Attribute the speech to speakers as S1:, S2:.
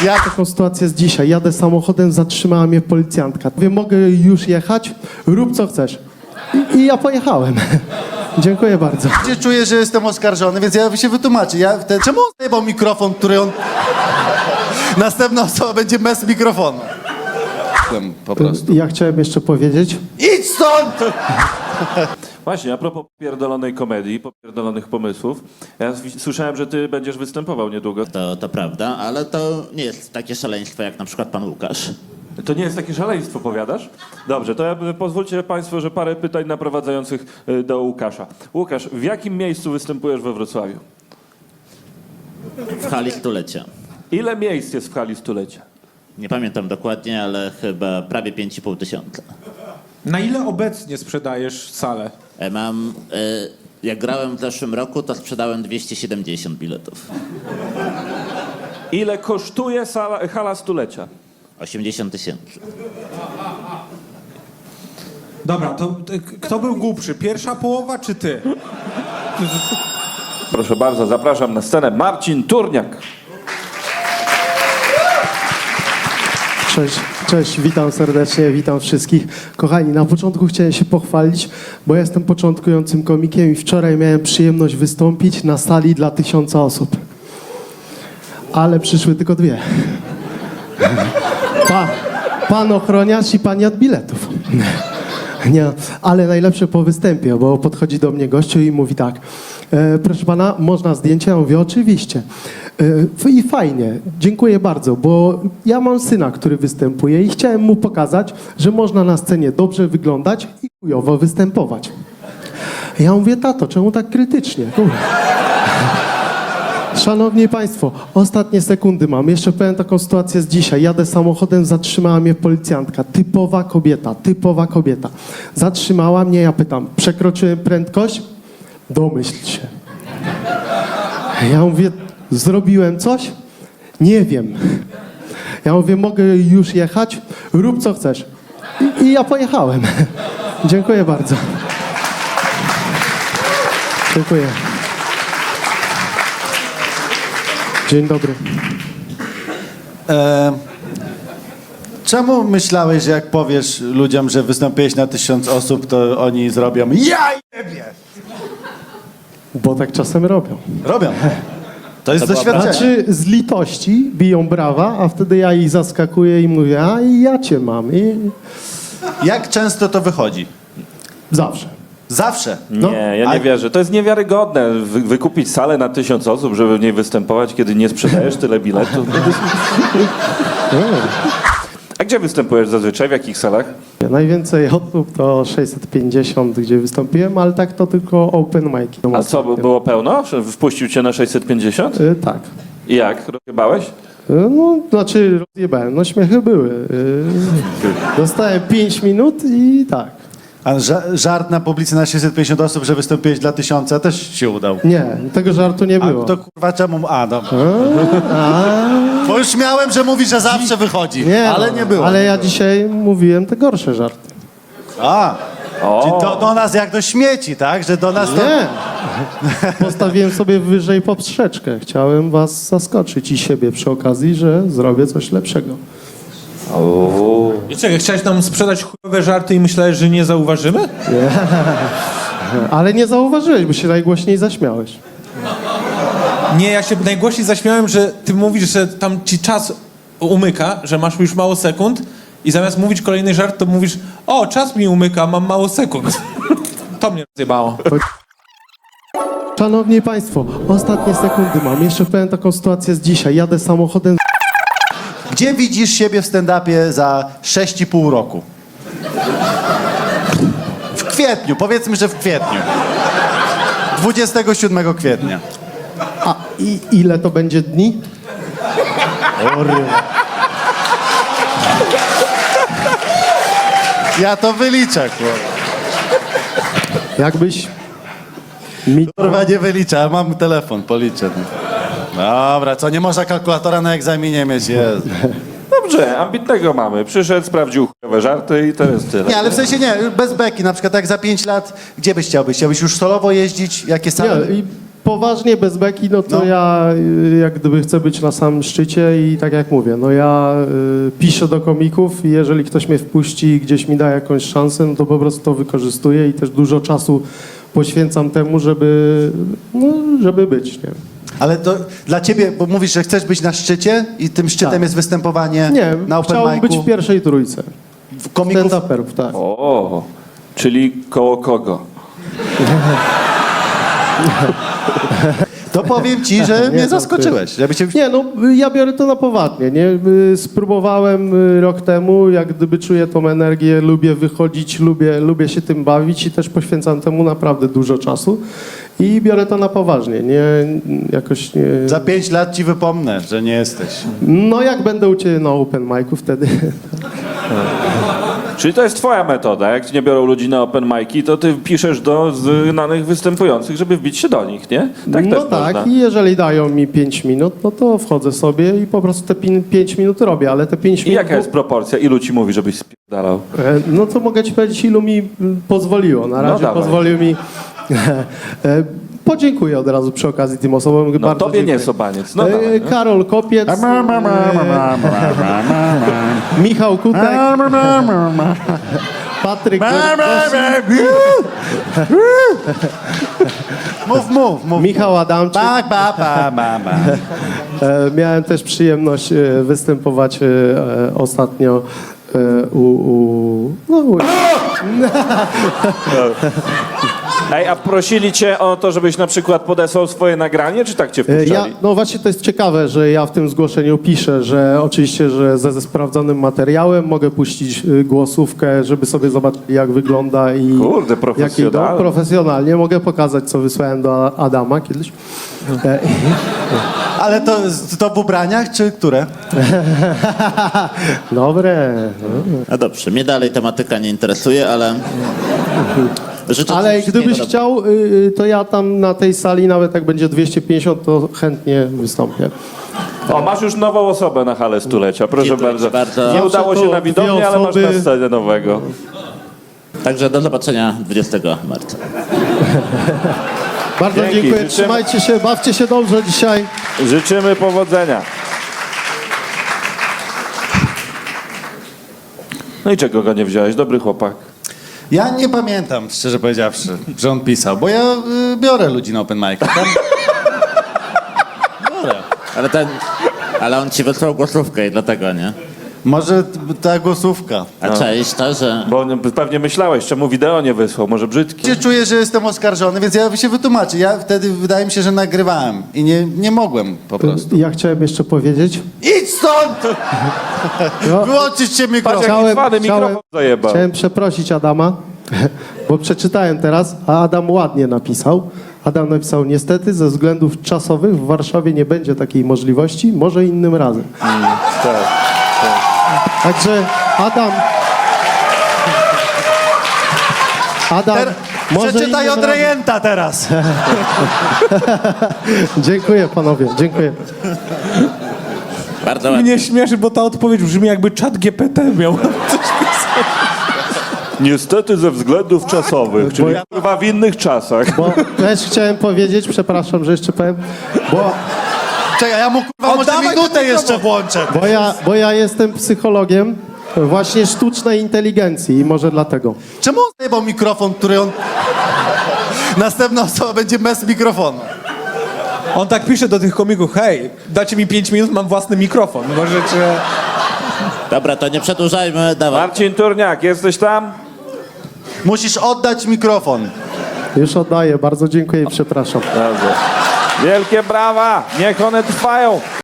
S1: Taką sytuację z dzisiaj. Jadę samochodem, zatrzymała mnie policjantka. Mówię, mogę już jechać? Rób co chcesz. I ja pojechałem. Dziękuję bardzo.
S2: Czuję, że jestem oskarżony, więc ja się wytłumaczę. Czemu on zajebał mikrofon, który on... Następna osoba będzie bez mikrofonu.
S3: Po prostu.
S1: Ja chciałem jeszcze powiedzieć.
S2: Idź stąd!
S3: Właśnie, a propos pierdolonej komedii, popierdolonych pomysłów, ja słyszałem, że ty będziesz występował niedługo.
S4: To prawda, ale to nie jest takie szaleństwo jak na przykład pan Łukasz.
S3: To nie jest takie szaleństwo, powiadasz? Dobrze, to pozwólcie państwo, że parę pytań naprowadzających do Łukasza. Łukasz, w jakim miejscu występujesz we Wrocławiu?
S4: W hali stulecia.
S3: Ile miejsc jest w hali stulecia?
S4: Nie pamiętam dokładnie, ale chyba prawie 5,5 tysiąca.
S5: Na ile obecnie sprzedajesz salę?
S4: Jak grałem w zeszłym roku, to sprzedałem 270 biletów.
S3: Ile kosztuje hala stulecia?
S4: 80 tysięcy.
S5: Dobra, to kto był głupszy? Pierwsza połowa czy ty?
S3: Proszę bardzo, zapraszam na scenę Marcin Turniak.
S1: Cześć, witam serdecznie, witam wszystkich. Kochani, na początku chciałem się pochwalić, bo jestem początkującym komikiem i wczoraj miałem przyjemność wystąpić na sali dla 1000 osób. Ale przyszły tylko 2. Pan ochroniarz i pani od biletów. Nie, ale najlepsze po występie, bo podchodzi do mnie gościu i mówi tak: proszę pana, można zdjęcie? Ja mówię, oczywiście. I fajnie, dziękuję bardzo, bo ja mam syna, który występuje i chciałem mu pokazać, że można na scenie dobrze wyglądać i chujowo występować. Ja mówię, tato, czemu tak krytycznie? Szanowni Państwo, ostatnie sekundy mam. Jeszcze powiem taką sytuację z dzisiaj. Jadę samochodem, zatrzymała mnie policjantka. Typowa kobieta. Zatrzymała mnie, ja pytam, przekroczyłem prędkość? Domyśl się. Ja mówię, zrobiłem coś? Nie wiem. Ja mówię, mogę już jechać? Rób co chcesz. I ja pojechałem. Dziękuję bardzo. Dziękuję. Dzień dobry.
S2: Czemu myślałeś, że jak powiesz ludziom, że wystąpiłeś na 1000 osób, to oni zrobią ja jebie?
S1: Bo tak czasem robią.
S2: Robią. To jest doświadczenie.
S1: Znaczy z litości biją brawa, a wtedy ja ich zaskakuję i mówię, a i ja cię mam. I
S2: Jak często to wychodzi?
S1: zawsze.
S2: Zawsze.
S3: Nie, ja nie wierzę. To jest niewiarygodne. Wykupić salę na 1000 osób, żeby w niej występować, kiedy nie sprzedajesz tyle biletów. A gdzie występujesz zazwyczaj? W jakich salach?
S1: Najwięcej osób to 650, gdzie wystąpiłem, ale tak to tylko open mic.
S3: A co, było pełno? Że wpuścił cię na 650?
S1: Tak.
S3: I jak? Rozjebałeś?
S1: No, znaczy rozjebałem, no śmiechy były. Dostałem 5 minut i tak.
S2: A żart na publicy na 650 osób, że wystąpiłeś dla 1000, też się udał.
S1: Nie, tego żartu nie
S2: A
S1: było.
S2: to kurwa czemu... A, dobra. Bo już miałem, że mówi, że zawsze wychodzi,
S1: Nie,
S2: ale
S1: no,
S2: nie było.
S1: Ale ja dzisiaj mówiłem te gorsze żarty.
S2: A, czyli do nas jak do śmieci, tak? Że do nas to...
S1: Nie. Postawiłem sobie wyżej poprzeczkę. Chciałem was zaskoczyć i siebie przy okazji, że zrobię coś lepszego.
S5: I czekaj, chciałeś nam sprzedać chujowe żarty i myślałeś, że nie zauważymy?
S1: Ale nie zauważyłeś, bo się najgłośniej zaśmiałeś.
S5: Nie, ja się najgłośniej zaśmiałem, że ty mówisz, że tam ci czas umyka, że masz już mało sekund i zamiast mówić kolejny żart, to mówisz, o, czas mi umyka, mam mało sekund. To mnie rozjebało.
S1: Szanowni Państwo, ostatnie sekundy mam. Jeszcze powiem taką sytuację z dzisiaj. Jadę samochodem.
S2: Gdzie widzisz siebie w stand-upie za 6,5 roku? W kwietniu, powiedzmy, że w kwietniu. 27 kwietnia.
S1: A ile to będzie dni?
S2: Ja to wyliczę, kurwa.
S1: Jakbyś mi...
S2: Kurwa, nie wyliczę, ale mam telefon, policzę. Dobra, co, nie można kalkulatora na egzaminie mieć, jest.
S3: Dobrze, ambitnego mamy. Przyszedł, sprawdził chujowe żarty i to jest tyle.
S2: Nie, ale w sensie nie, bez beki, na przykład jak za 5 lat, gdzie byś chciał być? Chciałbyś już solowo jeździć? Jakie same?
S1: Nie, i poważnie, bez beki, no to
S2: No.
S1: ja jak gdyby chcę być na samym szczycie i tak jak mówię, no ja piszę do komików i jeżeli ktoś mnie wpuści i gdzieś mi da jakąś szansę, no to po prostu to wykorzystuję i też dużo czasu poświęcam temu, żeby być, nie?
S2: Ale to dla ciebie, bo mówisz, że chcesz być na szczycie i tym szczytem
S1: Tak.
S2: jest występowanie
S1: Nie,
S2: na open
S1: chciałbym być
S2: micu
S1: w pierwszej trójce.
S2: komików.
S1: Stand-uperów, tak.
S3: O, czyli koło kogo?
S2: To powiem ci, że mnie
S1: to
S2: zaskoczyłeś. Żeby cię...
S1: Nie, no ja biorę to na poważnie, nie? Spróbowałem rok temu, jak gdyby czuję tą energię, lubię wychodzić, lubię się tym bawić i też poświęcam temu naprawdę dużo czasu i biorę to na poważnie, nie jakoś nie...
S2: Za 5 lat ci wypomnę, że nie jesteś.
S1: No jak będę u Ciebie na open micu wtedy...
S3: Czyli to jest twoja metoda. Jak ci nie biorą ludzi na open mic'i, to ty piszesz do znanych występujących, żeby wbić się do nich, nie? Tak
S1: no
S3: też
S1: tak,
S3: można.
S1: i jeżeli dają mi 5 minut, no to wchodzę sobie i po prostu te 5 minut robię, ale te 5
S3: I
S1: minut...
S3: jaka jest proporcja? Ilu ci mówi, żebyś spierdalał?
S1: No to mogę Ci powiedzieć, ilu mi pozwoliło. Na razie
S3: dawaj.
S1: pozwolił mi... Podziękuję od razu przy okazji tym osobom.
S3: No
S1: Bardzo
S3: tobie
S1: dziękuję.
S3: nie, Sobaniec. No dawaj, no.
S1: Karol Kopiec, Michał Kutek, Patryk
S2: Mów.
S1: Michał Adamczyk.
S2: Ba.
S1: Miałem też przyjemność występować ostatnio
S3: Ej, a prosili cię o to, żebyś na przykład podesłał swoje nagranie, czy tak cię wpuszczali?
S1: No właśnie to jest ciekawe, że ja w tym zgłoszeniu piszę, że oczywiście, że ze sprawdzonym materiałem mogę puścić głosówkę, żeby sobie zobaczyć jak wygląda i
S3: Kurde,
S1: jak idą.
S3: profesjonalnie.
S1: Profesjonalnie mogę pokazać, co wysłałem do Adama kiedyś.
S2: Ale to w ubraniach, czy które?
S1: Dobre.
S4: No dobrze, mnie dalej tematyka nie interesuje, ale... życzę
S1: Ale
S4: ci wszystkiego
S1: gdybyś chciał, to ja tam na tej sali, nawet jak będzie 250, to chętnie wystąpię.
S3: O, masz już nową osobę na halę stulecia, proszę
S4: Dziękuję
S3: bardzo.
S4: ci bardzo.
S3: Nie udało się
S1: To
S3: na widowni,
S1: dwie
S3: ale masz
S1: osoby.
S3: na scenę nowego.
S4: Także do zobaczenia 20 marca.
S1: Bardzo
S3: Dzięki,
S1: dziękuję,
S3: życzymy-
S1: trzymajcie się, bawcie się dobrze dzisiaj.
S3: Życzymy powodzenia. No i czego go nie wziąłeś? Dobry chłopak.
S2: Ja nie pamiętam, szczerze powiedziawszy, że on pisał, bo ja biorę ludzi na open mic.
S4: Ale on ci wysłał głosówkę i dlatego, nie?
S2: Może ta głosówka.
S4: A część to, że...
S3: Bo pewnie myślałeś, czemu wideo nie wysłał, może brzydki.
S2: Ja czuję, że jestem oskarżony, więc ja się wytłumaczę. Ja wtedy wydaje mi się, że nagrywałem i nie mogłem po prostu.
S1: Ja chciałem jeszcze powiedzieć,
S2: Idź stąd!
S1: No.
S2: Wyłączyć mikrofon.
S3: Patrz, jaki cwany mikrofon zajebał.
S1: Chciałem przeprosić Adama, bo przeczytałem teraz, a Adam ładnie napisał. Adam napisał, niestety ze względów czasowych w Warszawie nie będzie takiej możliwości, może innym razem.
S3: Tak.
S1: Także Adam, może
S2: Przeczytaj
S1: innym
S2: od
S1: razem.
S2: rejenta teraz.
S1: Dziękuję panowie, dziękuję.
S4: Bardzo ładnie.
S5: Mnie śmieszy, bo ta odpowiedź brzmi jakby czat GPT miał.
S3: Niestety ze względów czasowych, czyli chyba w innych czasach.
S1: Bo też chciałem powiedzieć, przepraszam, że jeszcze powiem,
S2: Czekaj, ja mu kurwa może
S5: Oddawaj
S2: minutę
S5: ten
S2: jeszcze włączę.
S1: bo ja jestem psychologiem właśnie sztucznej inteligencji i może dlatego.
S2: Czemu on zajebał mikrofon, który on... Następna osoba będzie bez mikrofonu.
S5: On tak pisze do tych komików, hej, dacie mi 5 minut, mam własny mikrofon. Możecie...
S4: Dobra, to nie przedłużajmy, dawaj.
S3: Marcin Turniak, jesteś tam?
S2: Musisz oddać mikrofon.
S1: Już oddaję, bardzo dziękuję i przepraszam.
S3: Dobrze. Wielkie brawa, niech one trwają.